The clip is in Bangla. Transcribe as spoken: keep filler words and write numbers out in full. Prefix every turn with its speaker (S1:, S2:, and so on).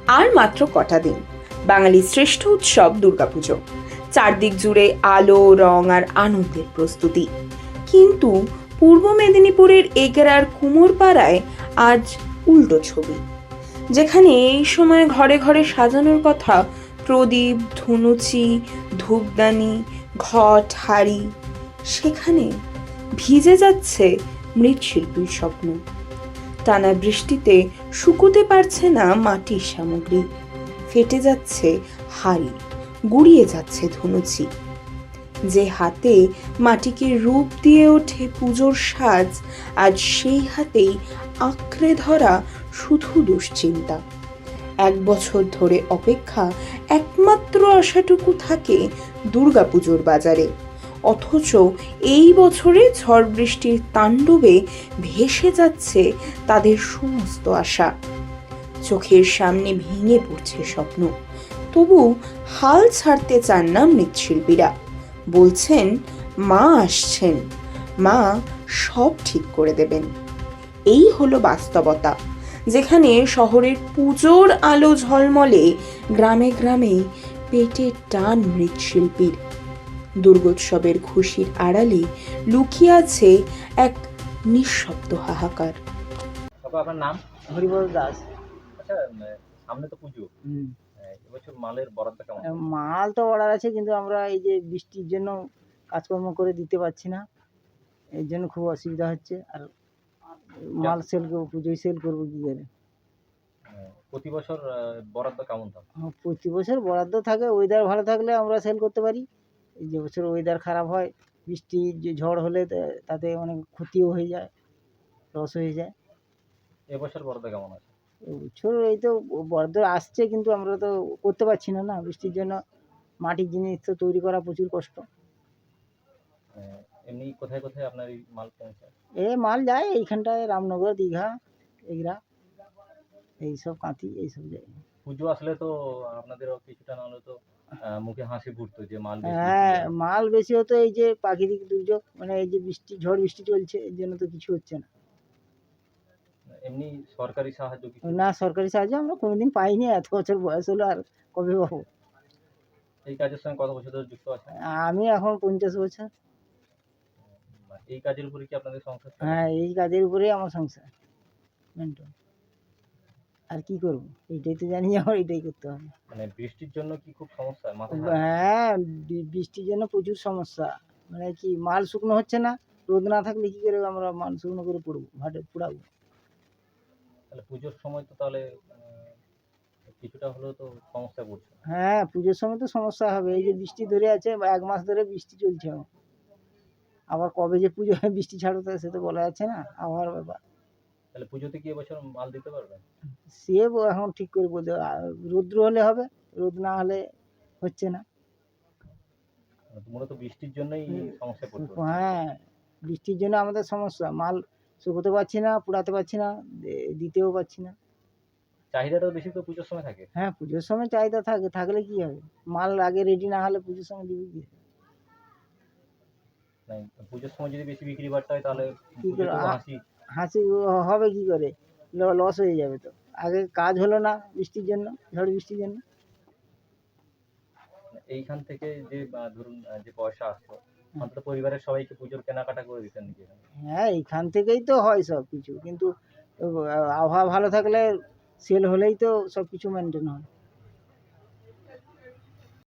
S1: আর মাত্র কটা দিন, বাঙালির শ্রেষ্ঠ উৎসব দুর্গাপুজো। চারদিক জুড়ে আলো, রং আর আনন্দের প্রস্তুতি। কিন্তু পূর্ব মেদিনীপুরের এগরার কুমোরপাড়ায় আজ উল্টো ছবি। যেখানে এই সময় ঘরে ঘরে সাজানোর কথা প্রদীপ, ধুনুচি, ধূপদানি, ঘট, হাড়ি, সেখানে ভিজে যাচ্ছে মৃৎশিল্পীর স্বপ্ন। টানা বৃষ্টিতে শুকোতে পারছে না মাটির সামগ্রী, ফেটে যাচ্ছে হাড়ি, গুড়িয়ে যাচ্ছে ধুনুচি। যে হাতে মাটিকে রূপ দিয়ে ওঠে পুজোর সাজ, আজ সেই হাতেই আঁকড়ে ধরা শুধু দুশ্চিন্তা। এক বছর ধরে অপেক্ষা, একমাত্র আশাটুকু থাকে দুর্গাপুজোর বাজারে। অথচ এই বছরে ঝড় বৃষ্টির তাণ্ডবে ভেসে যাচ্ছে তাদের সমস্ত আশা। চোখের সামনে ভেঙে পড়ছে স্বপ্ন। তবু হাল ছাড়তে চান না মৃৎশিল্পীরা। বলছেন, মা আসছেন, মা সব ঠিক করে দেবেন। এই হলো বাস্তবতা, যেখানে শহরের পুজোর আলো ঝলমলে, গ্রামে গ্রামে পেটের টান মৃৎশিল্পীর। দুর্গোৎসবের খুশির আড়ালে লুকিয়ে আছে এক নিঃশব্দ হাহাকার।
S2: বাবা, আপনার নাম?
S3: হরিবল দাস।
S2: আচ্ছা, উম, সামনে তো পুজো।
S3: হুম।
S2: আহ, এবছর মালের বরাদ্দ কেমন?
S3: আহ, মাল তো অর্ডার আছে, কিন্তু আমরা এই যে বৃষ্টির জন্য কাজকর্ম করে দিতে পারছি না, এর জন্য খুব অসুবিধা হচ্ছে। আর মাল সেল করবো, পুজোয় সেল করবো কি করে?
S2: আহ, প্রতি বছর আহ, বরাদ্দ কেমন থাকে?
S3: আহ, প্রতি বছর বরাদ্দ থাকে, ওয়েদার ভালো থাকলে আমরা সেল করতে পারি। এই যে বছর ওয়েদার খারাপ হয়, বৃষ্টি যে ঝড় হলে তা- তাতে অনেক ক্ষতিও হয়ে যায়, লস হয়ে যায়।
S2: এবছর বরাদ্দ কেমন আছে?
S3: বছর এই তো বরাদ্দ আসছে, কিন্তু আমরা তো করতে পারছি না না বৃষ্টির জন্য। মাটির জিনিস তো তৈরি করা প্রচুর কষ্ট।
S2: আহ, এমনি কোথায় কোথায় আপনার এই মাল পৌঁছায়?
S3: এ মাল যায় এইখানটায়, রামনগর, দীঘা, এগুলা, এইসব কাঁথি, এইসব যায়।
S2: পুজো আসলে তো আপনাদেরও কিছুটা না হলে তো আহ, মুখে হাসি ফুটতো যে মাল বেশি বিক্রি
S3: হ্যাঁ,
S2: হয়।
S3: মাল বেশি হতো। এই যে প্রাকৃতিক দুর্যোগ, মানে এই যে বৃষ্টি, ঝড় বৃষ্টি চলছে, এর জন্য তো কিছু হচ্ছে না।
S2: এমনি সরকারি সাহায্য কিছু?
S3: না, সরকারি সাহায্য আমরা কোনোদিন পাইনি, এত বছর বয়স হলো, আর কবে পাবো?
S2: এই কাজের সঙ্গে কত বছর ধরে যুক্ত আছেন?
S3: আমি এখন পঞ্চাশ বছর।
S2: বা এই কাজের উপরে কি আপনাদের সংসার চলে?
S3: হ্যাঁ, এই কাজের উপরেই আমার সংসার মেন্টন। আর কি করবো, এইটাই তো জানি, আমার এটাই করতে হবে।
S2: মানে বৃষ্টির জন্য কি খুব সমস্যা মাথায় হাত?
S3: হ্যাঁ, বি- বৃষ্টির জন্য প্রচুর সমস্যা। মানে কি, মাল শুকনো হচ্ছে না। রোদ না থাকলে কি করে আমরা মাল শুকনো করে পড়বো, ভাটে পুড়াবো?
S2: তাহলে পুজোর সময় তো তাহলে আহ, কিছুটা হলেও তো সমস্যায় পড়ছে।
S3: হ্যাঁ, পুজোর সময় তো সমস্যা হবে। এই যে বৃষ্টি ধরে আছে, বা এক মাস ধরে বৃষ্টি চলছে এখন। আবার কবে যে পুজো হয়, বৃষ্টি ছাড়বে সে তো বলা যাচ্ছে না, আবহাওয়ার ব্যাপার।
S2: তাহলে পুজোতে কি এবছর মাল দিতে পারবেন?
S3: সে ব- এখন ঠিক করে বলতে, আ, রৌদ্র হলে হবে, রোদ না হলে হচ্ছে না।
S2: মানে মূলত বৃষ্টির জন্যই সমস্যায় পড়তে হচ্ছে।
S3: হ্যাঁ, বৃষ্টির জন্য আমাদের সমস্যা। মাল শুকোতে পারছি না, পুড়াতে পারছি না, দে- দিতেও পারছি না।
S2: চাহিদাটাও বেশি তো পুজোর সময় থাকে।
S3: হ্যাঁ, পুজোর সময় চাহিদা থাকে, থাকলে কি হবে? মাল আগে রেডি না হলে পুজোর সময় দিবি কি?
S2: মানে পুজোর সময় যদি বেশি বিক্রি বাট্টা হয় তাহলে
S3: কি করে
S2: পুজোতেও
S3: আ-
S2: হাসি।
S3: হাসি হবে কি করে? লস হয়ে যাবে তো। আগে কাজ হলো না বৃষ্টির জন্য, ঝড় বৃষ্টির জন্য।
S2: এইখান থেকে যে আহ, ধরুন আহ, যে পয়সা আসতো, অন্তত পরিবারের সবাইকে পুজোর কেনাকাটা করে দিতেন নাকি এখানে?
S3: হ্যাঁ, এইখান থেকেই তো হয় সব কিছু, কিন্তু আহ, আবহাওয়া ভালো থাকলে, সেল হলেই তো সব কিছু মেনটেন হয়।